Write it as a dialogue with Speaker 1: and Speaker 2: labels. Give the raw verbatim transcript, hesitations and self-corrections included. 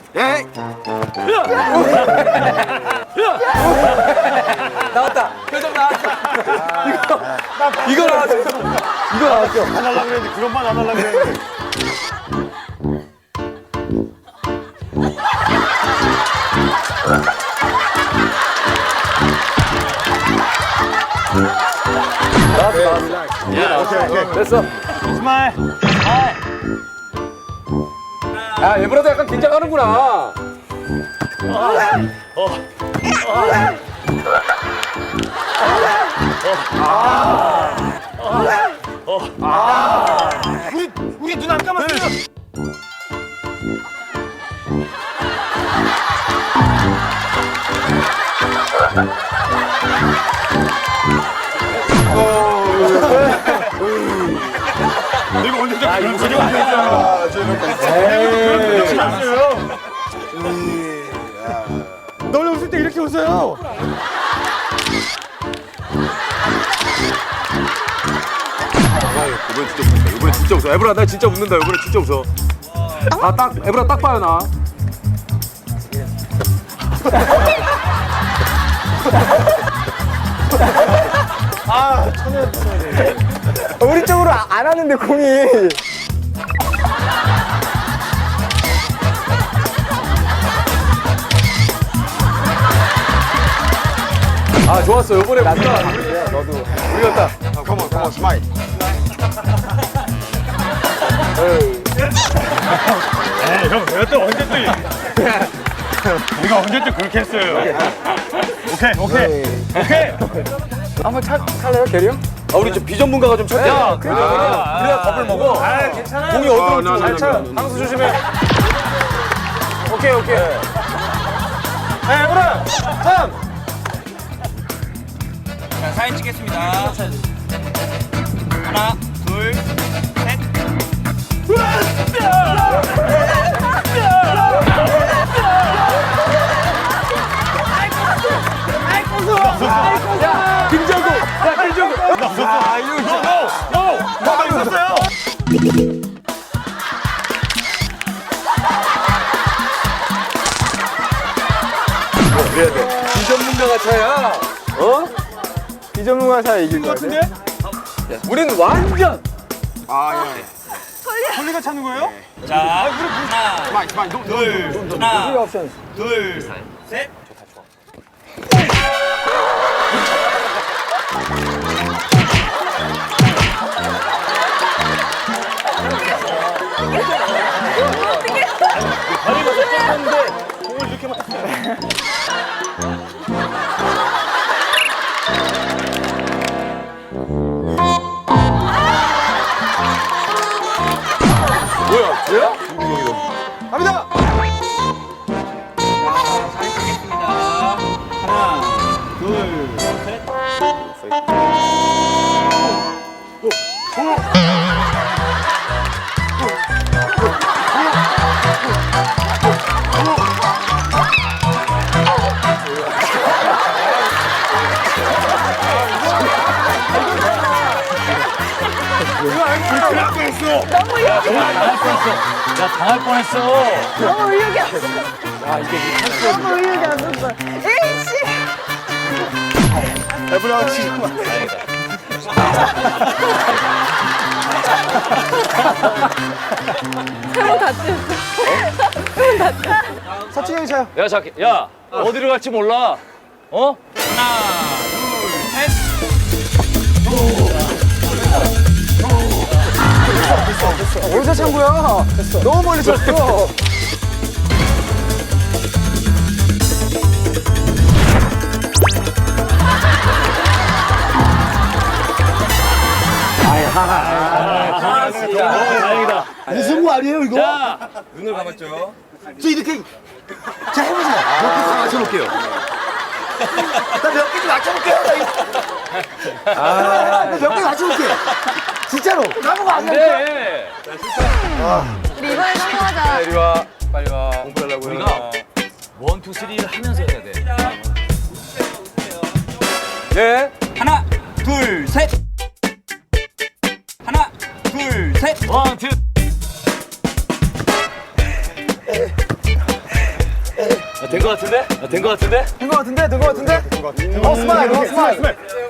Speaker 1: 에이.
Speaker 2: 나왔다. 표정 나왔어. 이거 이거 나왔어. 이거 나왔어.
Speaker 3: 안 하려고 그랬는데 그런 말 안 하려고 그랬는데.
Speaker 2: 나왔어. 나왔어.
Speaker 3: 오케이 오케이.
Speaker 2: 됐어.
Speaker 3: 스마일.
Speaker 2: 야, 얘보다도 약간 긴장하는구나.
Speaker 3: 우리 우리 눈 안 감았어요. 이거 언제 좀 그런 소리 안 했잖아. 그런 소리 안 했어요. 너네 웃을 때 이렇게 웃어요.
Speaker 2: 이번엔 진짜 웃는다. 이번엔 진짜 웃어. 에브라, 나 진짜 웃는다. 이번엔 진짜 웃어. 아, 딱, 에브라 딱 봐요, 나.
Speaker 1: 우리 쪽으로 안 하는데 공이.
Speaker 2: 아, 좋았어. 이번에 우리가,
Speaker 1: 너도.
Speaker 2: 우리가 딱.
Speaker 1: 컴온 컴온 스마일.
Speaker 3: 에이 형 내가 또 언제 또 우리가 언제 또 그렇게 했어요. 오케이 오케이 오케이.
Speaker 1: 한번 차, 탈래요 대리 형?
Speaker 2: 아, 우리 좀 비전문가가 좀 쳤대. 야, 그러니까. 그래야 겁을 먹어.
Speaker 3: 아 괜찮아요.
Speaker 2: 공이 어디로
Speaker 1: 나, 나,
Speaker 2: 잘
Speaker 1: 나,
Speaker 2: 차.
Speaker 1: 나, 나, 나.
Speaker 2: 항수 조심해. 오케이, 오케이. 네, 에브라, 삼.
Speaker 4: 자, 사진 찍겠습니다. 하나, 둘, 셋.
Speaker 2: 야, 김정구. 야, 김정구.
Speaker 3: 아 이거 노노노 나도 있었어요.
Speaker 2: 그래야 돼. 비전문가가 차야. 어?
Speaker 1: 비전문가 사이 이길 거
Speaker 3: 같은데?
Speaker 2: 우린 완전.
Speaker 1: 아 예.
Speaker 3: 홀리가 차는 거예요?
Speaker 4: 자, 하나,
Speaker 1: 스마일 스마일. 노,
Speaker 4: 둘,
Speaker 1: 노, 노,
Speaker 4: 하나,
Speaker 1: 노. 옵션.
Speaker 4: 둘, 셋.
Speaker 3: 다리가 졌는데 공을 이렇게 맞았어요.
Speaker 2: 뭐야, 쟤야?
Speaker 1: 갑니다.
Speaker 4: 자, 사진 찍겠습니다. 하나, 둘, 셋.
Speaker 3: 당할 뻔했어.
Speaker 5: 너무 의욕이
Speaker 3: 야 당할 뻔했어.
Speaker 5: 너무 의욕이 없어. 너무 의욕이 없었어. 에이씨.
Speaker 1: 에브라 지금.
Speaker 5: 세모 다치.
Speaker 1: 서춘이 형이 차요.
Speaker 2: 야, 자, 야, 어디로 갈지 몰라. 어?
Speaker 4: 하나, 둘, 셋.
Speaker 1: 어디서 찬 거야? 너무 멀리 쳤어.
Speaker 2: 아, 진짜.
Speaker 3: 다행이다.
Speaker 1: 무슨 거 아니에요 이거?
Speaker 2: 자,
Speaker 4: 눈을 감았죠.
Speaker 1: 저 이렇게. 자 해보세요. 몇 개 맞춰볼게요. 나 몇 개 좀 맞춰볼게요. 아, 몇 개 맞춰볼게요. 진짜로. 나보고 안 돼.
Speaker 2: 네.
Speaker 5: 우리 이번에 성공하자.
Speaker 2: 이리 와. 빨리 와. 공부하려고. 우리가
Speaker 4: 원, 투, 쓰리를 하면서 해야 돼.
Speaker 2: 네.
Speaker 4: 하나, 둘, 셋. 하나, 둘, 셋.
Speaker 2: 원, 투. 된 거 같은데? 된 거 같은데?
Speaker 1: 된 거 같은데? 된 거 같은데? 어, 스마일, 어, 스마일.